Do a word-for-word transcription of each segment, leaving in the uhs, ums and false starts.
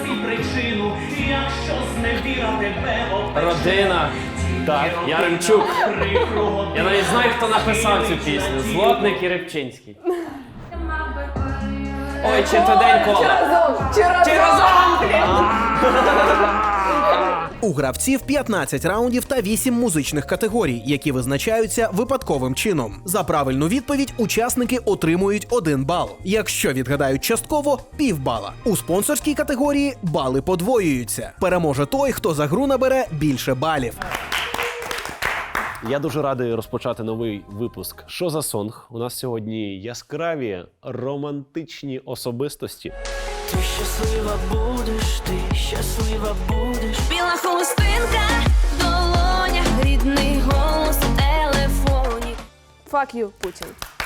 знайти причину, якщо зневіра тебе обтече. Родина. Так, Яремчук. Я навіть знаю, хто написав цю пісню. Злотник і Рибчинський. Ой, чи то день кола. Чи разом? Чи разом? Чи разом? У гравців п'ятнадцять раундів та вісім музичних категорій, які визначаються випадковим чином. За правильну відповідь учасники отримують один бал. Якщо відгадають частково – півбала. У спонсорській категорії бали подвоюються. Переможе той, хто за гру набере більше балів. Я дуже радий розпочати новий випуск «Що за сонг?». У нас сьогодні яскраві, романтичні особистості. Ти щаслива будеш, ти щаслива будеш. Біла хустинка в долонях, рідний голос у телефоні. Fuck you, Путін.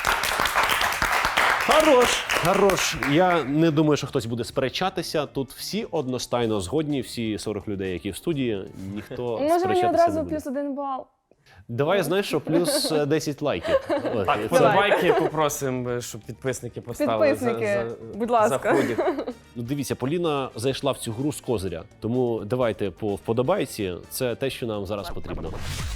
Хорош, хорош. Я не думаю, що хтось буде сперечатися. Тут всі одностайно згодні, всі сорок людей, які в студії, ніхто Може мені сперечатися не одразу буде. плюс один бал? Давай, знаєш, що плюс десять лайків. От, Так, і це- подобайки попросимо, щоб підписники поставили. Підписники, за, за, будь ласка. За ходік. Ну, дивіться, Поліна зайшла в цю гру з козиря. Тому давайте по вподобайці. Це те, що нам зараз потрібно.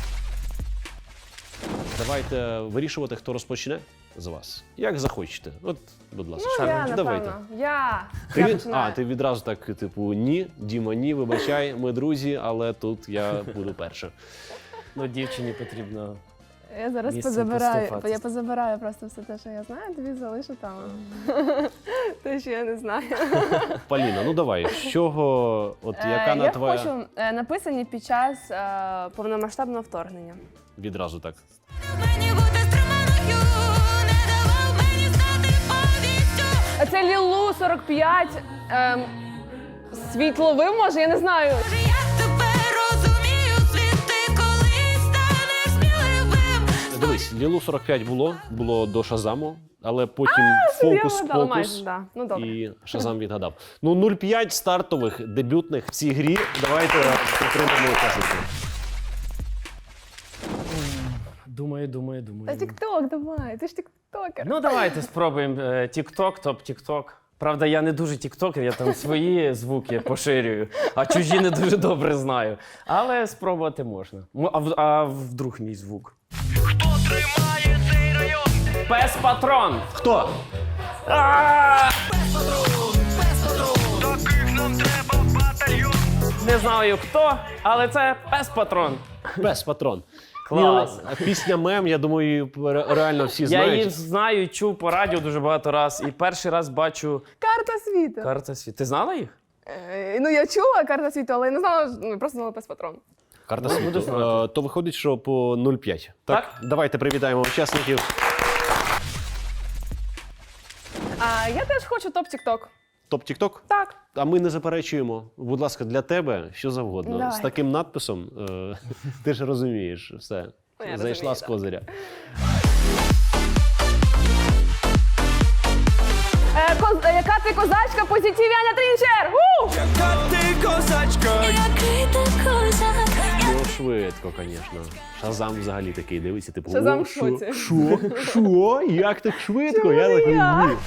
Давайте вирішувати, хто розпочне з вас. Як захочете. От, будь ласка. Ну, я, давайте. напевно. Я. Ти, Я від- починаю. а, ти відразу так, типу, ні, Діма, ні, вибачай, ми друзі, але тут я буду перша. Ну, дівчині потрібно. Я зараз місцем позабираю, поступатись. я позабираю просто все те, що я знаю, тобі залишу там. Те, що я не знаю. Поліна, ну давай, з чого, от яка Е, на я твоя... хочу е, написані під час е, повномасштабного вторгнення. Відразу так. Мені бути стриманою, не давав мені знати повістю. А це Лілу сорок п'ять. Ем, світловим, може, я не знаю. Може, я тебе розумію, світи, коли станеш сміливим. Дивись, Лілу сорок п'ять було, було до Шазаму, але потім Я вгадала майже, фокус-покус да. Ну, добре. і Шазам відгадав. Ну, нуль п'ять стартових, дебютних в цій грі. Давайте підтримаємо учасників. Думаю, думаю, Та думаю. тік-ток, давай, ти ж тік-токер. Ну, давайте спробуємо е, тік-ток, топ-тік-ток. Правда, я не дуже тіктокер, я там свої звуки поширюю, а чужі не дуже добре знаю. Але спробувати можна. М- А, в- а вдруг мій звук? Хто тримає цей район? Пес-патрон! Хто? А! Таких нам треба в батальйон. Не знаю хто, але це пес-патрон. Без патрон. Клас. Ні, пісня мем, я думаю, ре- реально всі Я знають. її знаю, чув по радіо дуже багато раз. І перший раз бачу Карта світу. карта світу. Ти знала їх? Е, ну, я чула карта світу, але я не знала, ну, просто знала пес-патрон. Карта Ну, світу. буду знати. Е, То виходить, що по нуль п'ять. Так? Так. Давайте привітаємо учасників. А я теж хочу топ-тік-ток. Топ Тік-Ток? Так. А ми не заперечуємо. Будь ласка, для тебе що завгодно. Давай. З таким надписом, е, ти ж розумієш, все. Ну, я Зайшла розумію, з так. козиря. Е, коз, е, яка ти козачка, позитивяня трінчер! У! Яка ти козачка? Який ти козак, Ну, швидко, звісно. Шазам взагалі такий дивиться, типу, Шазам «О, в що? шоці». Що? Що? Як так швидко? Чому Я не такий, я? ні.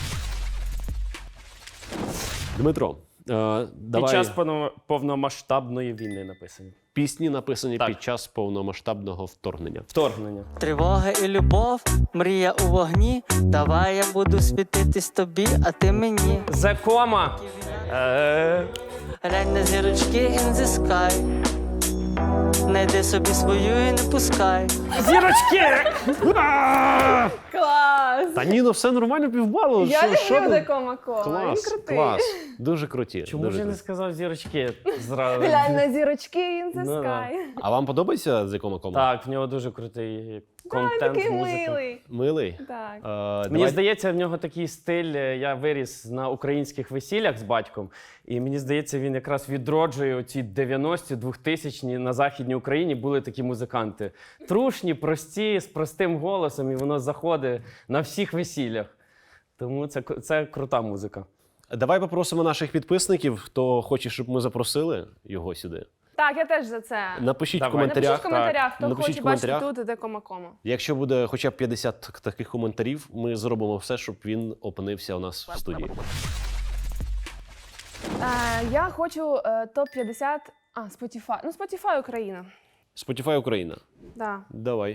Дмитро, е, Під давай. час повно- повномасштабної війни написані. Пісні написані Так. під час повномасштабного вторгнення. Вторгнення. Тривога і любов, мрія у вогні. Давай я буду світитись тобі, а ти мені. Закома. Е, Глянь на зірочки in the sky. Найди собі свою і не пускай. Зірочки! А! Клас! Та ні, ну все нормально, півбалу. Я Що- що люблю ви? Декома Кола, він Клас, крутий. клас. Дуже круті. Чому дуже ж я не круті. сказав зірочки зразу? Глянь на зірочки in the Ну, да. sky. А вам подобається з якому кому? Так, в нього дуже крутий Він контент, такий музика. милий. Милий? Так. Е, Мені давай- здається, в нього такий стиль. е, Я виріс на українських весіллях з батьком, і мені здається, він якраз відроджує оці дев'яності, двохтисячні на Західній Україні були такі музиканти. Трушні, прості, з простим голосом, і воно заходить на всіх весіллях. Тому це, к- це крута музика. Давай попросимо наших підписників, хто хоче, щоб ми запросили його сюди. Так, я теж за це. Напишіть Давай. в коментарях. Напишіть в коментарях, хто Напишіть хоче в коментарях. бачити тут Декома Кома. Якщо буде хоча б п'ятдесят таких коментарів, ми зробимо все, щоб він опинився у нас в студії. Е, я хочу е, топ п'ятдесят. А, Spotify. Ну, Spotify Україна. Spotify Україна. Да. Давай.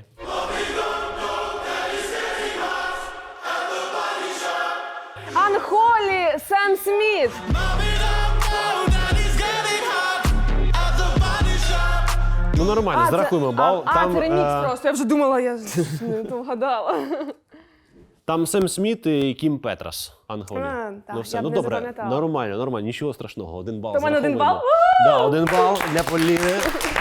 Анхолі, Сем Сміт. Ну нормально, А, це- зарахуємо бал. А, там, а, це ремікс е, просто. Я вже думала, я не то вгадала. там Сем Сміт і Кім Петрас. Анголі. А, так, ну все, я б ну не добре, запам'ятала. нормально, нормально, нічого страшного. Один бал. То в мене один зараховуємо. бал? Да, один бал для Поліни.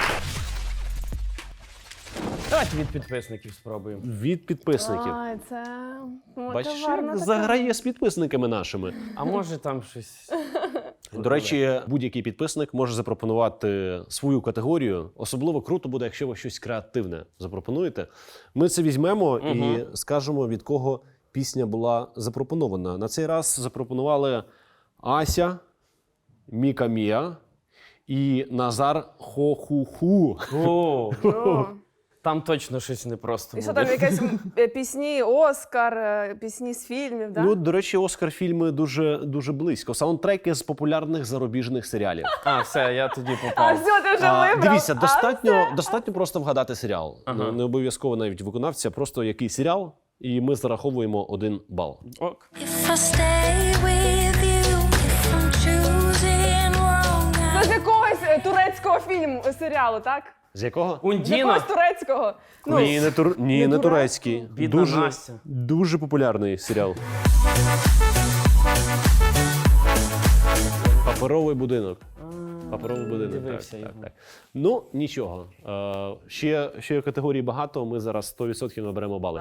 Давайте від підписників спробуємо. Від підписників. Ай, це Бачиш, мотиварна як така. заграє з підписниками нашими. А може там щось. До речі, будь-який підписник може запропонувати свою категорію. Особливо круто буде, якщо ви щось креативне запропонуєте. Ми це візьмемо і скажемо, від кого пісня була запропонована. На цей раз запропонували Ася, Міка Мія і Назар Хохуху. О, О. там точно щось непросто І що буде. там якісь е, пісні, Оскар, е, пісні з фільмів, да? Ну, до речі, Оскар-фільми дуже, дуже близько. Саундтреки з популярних зарубіжних серіалів. А, все, я тоді А попав. все, ти вже А, вибрав. дивіться, А, достатньо, все. достатньо просто вгадати серіал. Ага. Ну, не обов'язково навіть виконавця, просто який серіал, і ми зараховуємо один бал. Ок. If I stay with you, if I'm choosing wrong, Це з якогось е, турецького фільму, е, серіалу, так? З якого? З Ундіна. якогось турецького. Ну, Ні, не, тур... Ні, не не, турецький? турецький. Бідна Дуже, Настя. дуже популярний серіал. Паперовий будинок. Паперовий будинок. Так, дивився так, його. так. Ну, нічого. Е, ще, ще категорій багато, ми зараз сто відсотків наберемо бали.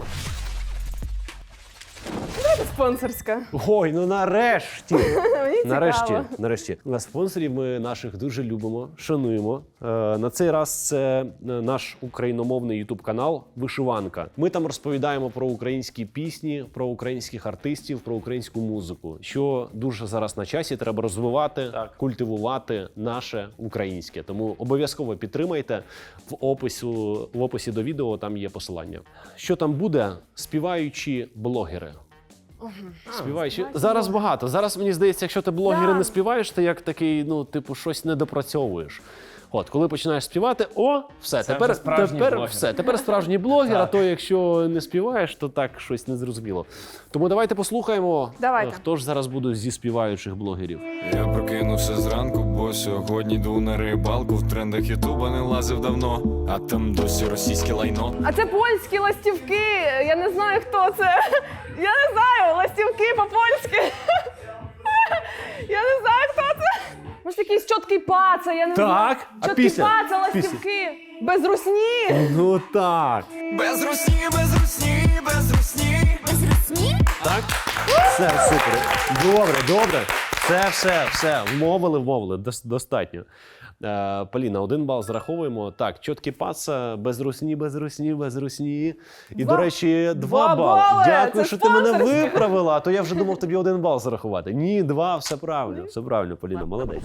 спонсорська. Ой, ну нарешті! Мені Нарешті, цікаво. нарешті. На спонсорів ми наших дуже любимо, шануємо. Е, на цей раз це е, наш україномовний ютуб канал Вишиванка. Ми там розповідаємо про українські пісні, про українських артистів, про українську музику. Що дуже зараз на часі, треба розвивати, Так. культивувати наше українське. Тому обов'язково підтримайте. В опису, в описі до відео там є посилання. Що там буде? Співаючі блогери. Співаючи. Зараз багато. Зараз мені здається, якщо ти блогери Да. не співаєш, ти як такий, ну, типу, щось не допрацьовуєш. От, коли починаєш співати, о, все, Це тепер, вже справжній тепер блогер. все, тепер справжній блогер, а Так. то якщо не співаєш, то так щось незрозуміло. Тому давайте послухаємо, Давайте. е, хто ж зараз буде зі співаючих блогерів. Я прокинувся зранку, бо сьогодні йду на рибалку. В трендах Ютуба не лазив давно, а там досі російське лайно. А це польські ластівки. Я не знаю, хто це. Я не знаю, ластівки по-польськи. Я не знаю, хто це. Може, якийсь чіткий паца, я не Так, знаю. а Чіткий пісня? паца, ластівки. Без русні. Ну так. Без русні, без русні, без русні. Так? Все, супер. Добре, добре. Все, все, все. Вмовили, вмовили. Дос- Достатньо. Е, Поліна, один бал зараховуємо. Так, чіткі паца, без русні, без русні, без русні. І, Два- до речі, два, два бали. бали. Дякую, Це що ти мене спонсорське. виправила, а то я вже думав тобі один бал зарахувати. Ні, два, все правильно. Все правильно, Поліна, молодець.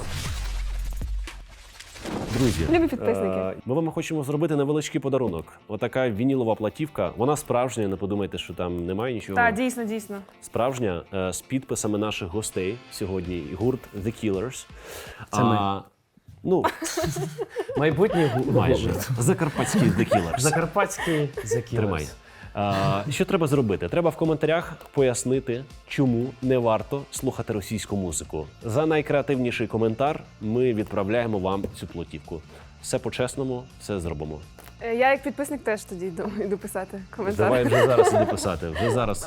Друзі, Любі підписники. е, ми вам хочемо зробити невеличкий подарунок. Отака вінілова платівка. Вона справжня, не подумайте, що там немає нічого. Так, дійсно, дійсно. Справжня, е, з підписами наших гостей сьогодні. Гурт The Killers. Це ми. Ну, Майбутній гу- майже. гурт. Закарпатський The Killers. Закарпатський закінець. Тримай. А, що треба зробити? Треба в коментарях пояснити, чому не варто слухати російську музику. За найкреативніший коментар ми відправляємо вам цю платівку. Все по-чесному, все зробимо. Е, Я як підписник теж тоді йду, йду писати коментар. Давай вже зараз іди писати. Вже зараз.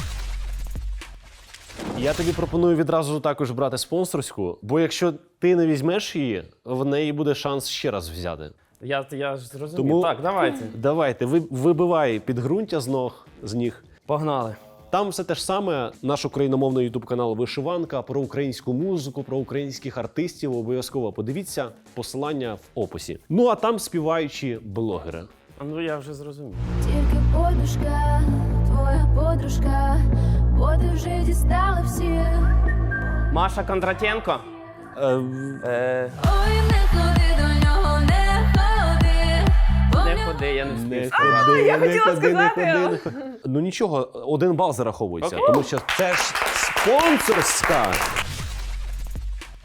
Я тобі пропоную відразу також брати спонсорську, бо якщо ти не візьмеш її, в неї буде шанс ще раз взяти. Я, я ж зрозумів. Тому- Так, давайте. Давайте, ви, вибивай підґрунтя з ног, з ніг. Погнали. Там все те ж саме, наш україномовний ютуб-канал Вишиванка, про українську музику, про українських артистів. Обов'язково подивіться, посилання в описі. Ну а там співаючі блогери. А ну я вже зрозумів. Тільки подушка, твоя подружка, бо ти вже дістала всіх. Маша Кондратенко. Е, Е, Ой, не ходи до нього, не ходи. бо не в нього ходи, я не встиг не сказати. ходи, я не хотіла ходи, не сказати. ходи, не ходи. Ну нічого, один бал зараховується, Окей. тому що це ж спонсорська.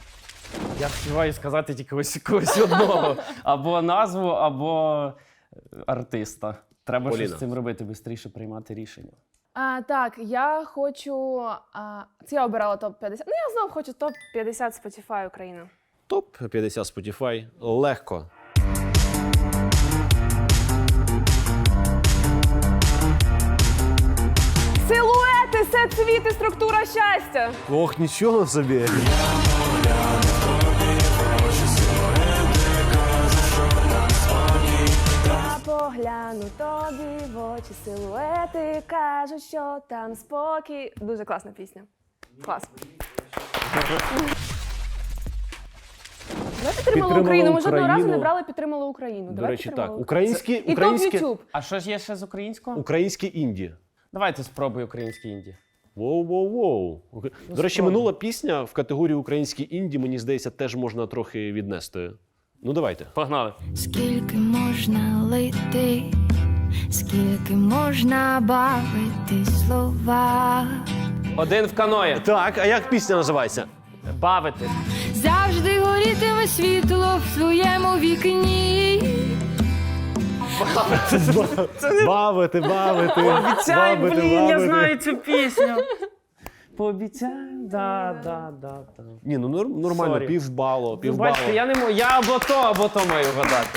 Я співаю сказати тільки ось когось одного. Або назву, або артиста. Треба Поліна. щось з цим робити, швидше приймати рішення. А, так, я хочу. А, це я обирала топ п'ятдесят. Ну, я знову хочу топ п'ятдесят Spotify Україна. Топ п'ятдесят Spotify. Легко. Силуети, сет світи, структура щастя. Ох, нічого собі. Я погляну тобі в очі, силуети, кажуть, що там спокій. Дуже класна пісня. Клас. Давай підтримали Підтримала Україну. Ми жодного разу не Україну. брали підтримали Україну. До Давай речі, підтримали так. Україну. Українські, І топ українські, Ютуб. А що ж є ще з українського? українські інді. Давайте спробуй українські інді. Воу-воу-воу. Окей. До речі, спробуй. минула пісня в категорії українські інді, мені здається, теж можна трохи віднести. Ну, давайте. Погнали. Скільки можна лити, скільки можна бавити слова. Один в каної. Так, а як пісня називається? Бавити. Завжди горітиме світло в своєму вікні. Бавити, бавити. Обіцяй, бавити, блін, я бавити. знаю цю пісню. Пообіцяй, да, да, да, да. Ні, ну нор- нормально, Сорі. півбалу, Ви півбалу. бачите, я не можу, я або то, або то маю гадати.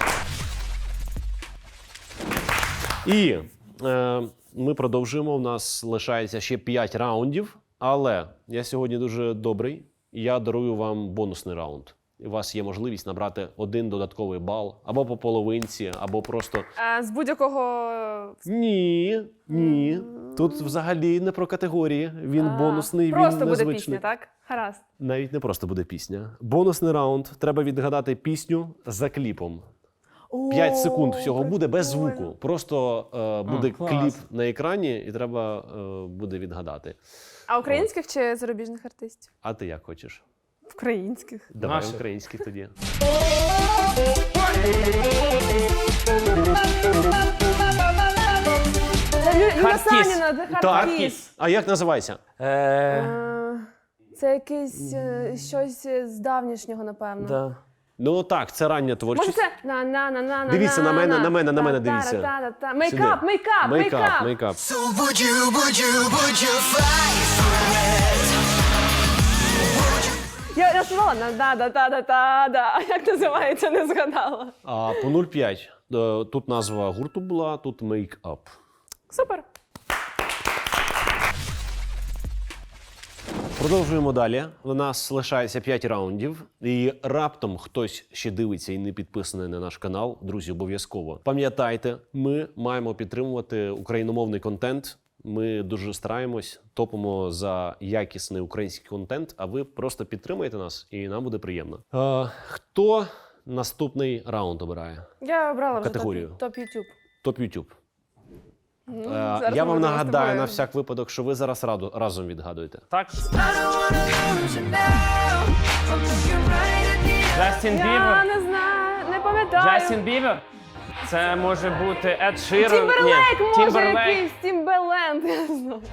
І е, ми продовжуємо. У нас лишається ще п'ять раундів, але я сьогодні дуже добрий. І я дарую вам бонусний раунд. У вас є можливість набрати один додатковий бал або по половинці, або просто А, з будь-якого. ні, ні. Тут взагалі не про категорії. Він А, бонусний, Просто він буде незвичний. пісня, так? Гаразд. Навіть не просто буде пісня. Бонусний раунд. Треба відгадати пісню за кліпом. П'ять секунд всього буде без звуку. Просто е, буде клас. кліп на екрані, і треба е, буде відгадати. А українських чи зарубіжних артистів? А ти як хочеш? Українських. Давай Наших. українських тоді. Це Лю- Юля Hard Kiss. Саніна, The Hard Так. Kiss. А як називається? Е, Е, Це якесь е, щось з давнішнього, напевно. да. Ну так, це рання Може творчість. це на на на на на Дивіться на мене, на мене, на мене Та-та-ра, дивіться. та-та-та. Мейкап, Сюди. мейкап, Мейкап, мейкап. мейкап. Я, я співала на да да та да та да. Як називається, не згадала. А по нуль п'ять. Е, Тут назва гурту була, тут мейкап. Супер. Продовжуємо далі. У нас лишається п'ять раундів. І раптом хтось ще дивиться і не підписаний на наш канал. Друзі, обов'язково. Пам'ятайте, ми маємо підтримувати україномовний контент. Ми дуже стараємось, топимо за якісний український контент, а ви просто підтримуєте нас, і нам буде приємно. Е, хто наступний раунд обирає? Я обрала вже Категорію. топ, топ YouTube. Топ Ютуб. Ну, Е, зараз я ми вам будемо з нагадаю тобою. на всяк випадок, що ви зараз раду, разом відгадуєте. Так. Джастін Я Бібер. не знаю, не пам'ятаю. Джастін Бібер. Це може бути Ед Ширен. Тімберлейк, Ні, може, Тімберлейк. якийсь Тімберленд, я не знаю.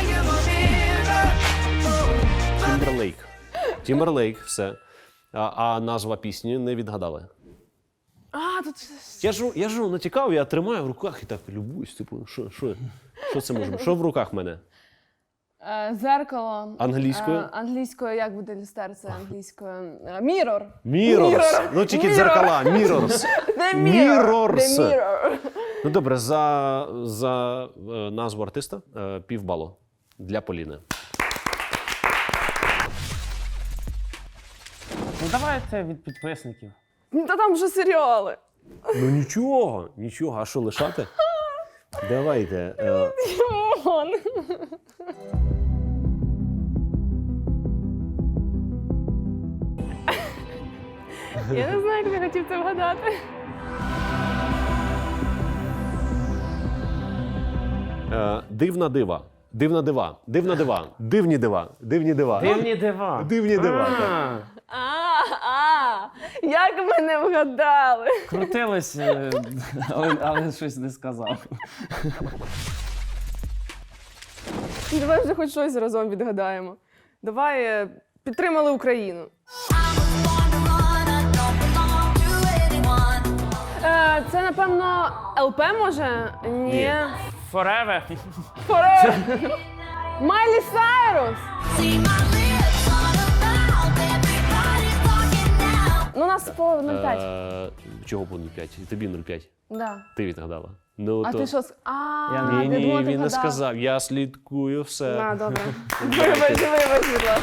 Тімберлейк. Тімберлейк, все. А, а назва пісні не відгадали. А, тут Я ж, я ж натякав, я тримаю в руках і так любуюсь. Типу, що, що, що це може бути? Що в руках в мене? е, зеркало. Англійською? Е, англійською, як буде люстерце англійською? Мірор. Mirrors. Ну тільки Mirror. дзеркала. Mirrors. The Mirror. Mirrors. The Mirror. Ну добре, за, за е, назву артиста е, півбалу для Поліни. Ну давайте від підписників. Ну, та там вже серіали. Ну нічого, нічого. А що лишати? Давайте. Е, Тімон. Я не знаю, як я хотів це вгадати. е, дивна дива. Дивна дива. Дивна дива. Дивні дива. Дивні дива. Дивні дива. Дивні дива, так. А, А, а, як мене вгадали? крутилось, е, але, але щось не сказав. Давай вже хоч щось разом відгадаємо. Давай е, підтримали Україну. I was born to run. I don't belong to anyone. Е, це, напевно, ел пе може? Ні. Forever. Forever. Майлі Сайрус. See my lips on a mouth. Everybody's talking now. Ну, у нас по нуль п'ять. Е, Чого по нуль п'ять? І тобі нуль п'ять. Да. Ти відгадала. Ну, А то... ти що? с- А, Я- ти Ні, ні, думала, ти він не вгадав. сказав. Я слідкую все. А, добре. Вибач, вибач, будь ласка.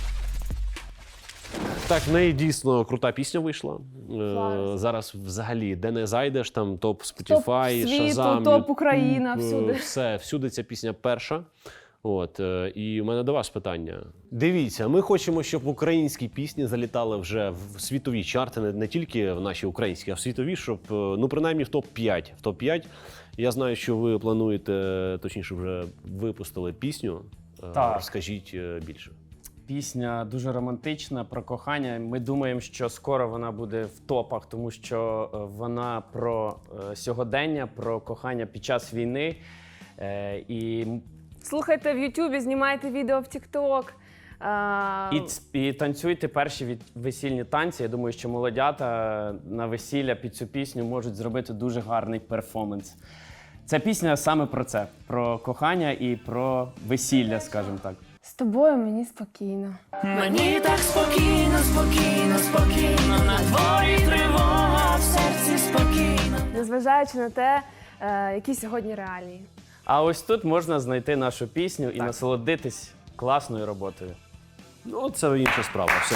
Так, в неї дійсно крута пісня вийшла. Е, Клас. зараз взагалі, де не зайдеш, там топ Топ Spotify, світу, Shazam, топ Україна, YouTube, всюди. Все, всюди ця пісня перша. От, е, і у мене до вас питання. Дивіться, ми хочемо, щоб українські пісні залітали вже в світові чарти, не, не тільки в наші українські, а в світові, щоб, е, ну, принаймні, в топ п'ять. В топ п'ять. Я знаю, що ви плануєте, точніше, вже випустили пісню. Е, Так. Розкажіть е, більше. Пісня дуже романтична про кохання. Ми думаємо, що скоро вона буде в топах, тому що е, вона про е, сьогодення, про кохання під час війни. Е, І Слухайте в Ютубі, знімайте відео в Тік-Ток. А, І, ц- і танцюйте перші від весільні танці. Я думаю, що молодята на весілля під цю пісню можуть зробити дуже гарний перформанс. Ця пісня саме про це: про кохання і про весілля, скажімо так. З тобою мені спокійно. Мені так спокійно, спокійно, спокійно, на дворі тривога, в серці спокійно. Незважаючи на те, е, які сьогодні реалії. А ось тут можна знайти нашу пісню і насолодитись класною роботою. Ну, це інша справа. Все.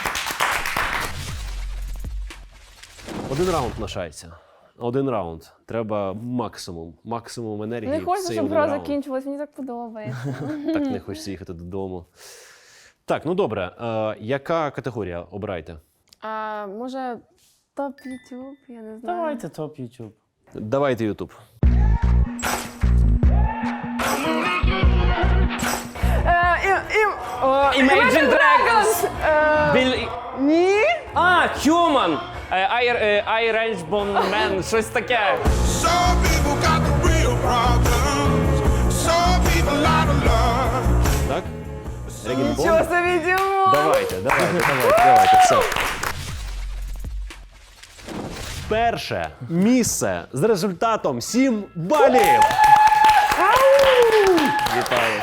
Один раунд лишається. Один раунд. Треба максимум. Максимум енергії. Не в хочу, цей щоб один гра раунд. закінчилась, мені так подобається. Так не хочеться їхати додому. Так, ну добре. Е, яка категорія обирайте? А, може, топ Ютуб, я не знаю. Давайте топ YouTube. Давайте Ютуб. Е, і, і, о, Imagine Dragons! Е, Біль... ні? А, Human! Е, I, е, I Range Bone Man, щось таке. Some people got the real problems. Some people out of love. Так? Регін Нічого собі, Дімон! Давайте, давайте, давайте, давайте, все. Перше місце з результатом сім балів. Вітаю.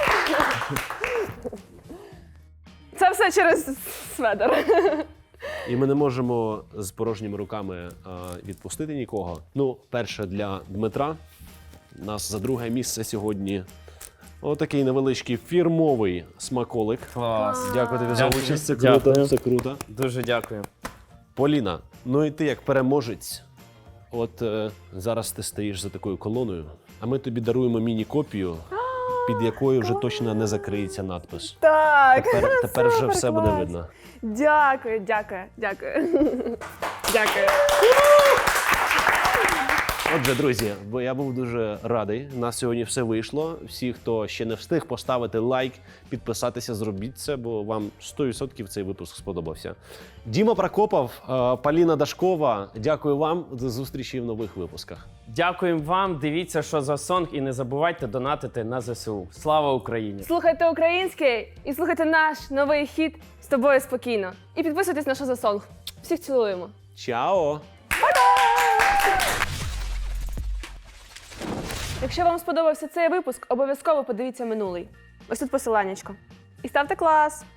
Це все через Сведер. І ми не можемо з порожніми руками а, відпустити нікого. Ну, перше для Дмитра. У нас за друге місце сьогодні отакий невеличкий фірмовий смаколик. Клас. Дякую тобі за Дякую. участь. Це круто. Дякую. Це круто. Дуже дякую. Поліна, ну і ти як переможець. От е, зараз ти стоїш за такою колоною, а ми тобі даруємо міні-копію, під якою вже точно не закриється надпис. Так. Тепер, тепер вже супер, все буде клас. видно. Дякую, дякую, дякую. Дякую. Отже, друзі, бо я був дуже радий. У нас сьогодні все вийшло. Всі, хто ще не встиг поставити лайк, підписатися, зробіть це, бо вам сто відсотків цей випуск сподобався. Діма Прокопов, е, Поліна Дашкова, дякую вам. До зустрічі в нових випусках. Дякуємо вам. Дивіться, що за сонг, і не забувайте донатити на зе се у. Слава Україні! Слухайте український і слухайте наш новий хіт «З тобою спокійно». І підписуйтесь на «Що за сонг». Всіх цілуємо. Чао! Якщо вам сподобався цей випуск, обов'язково подивіться минулий. Ось тут посиланнячко. І ставте клас!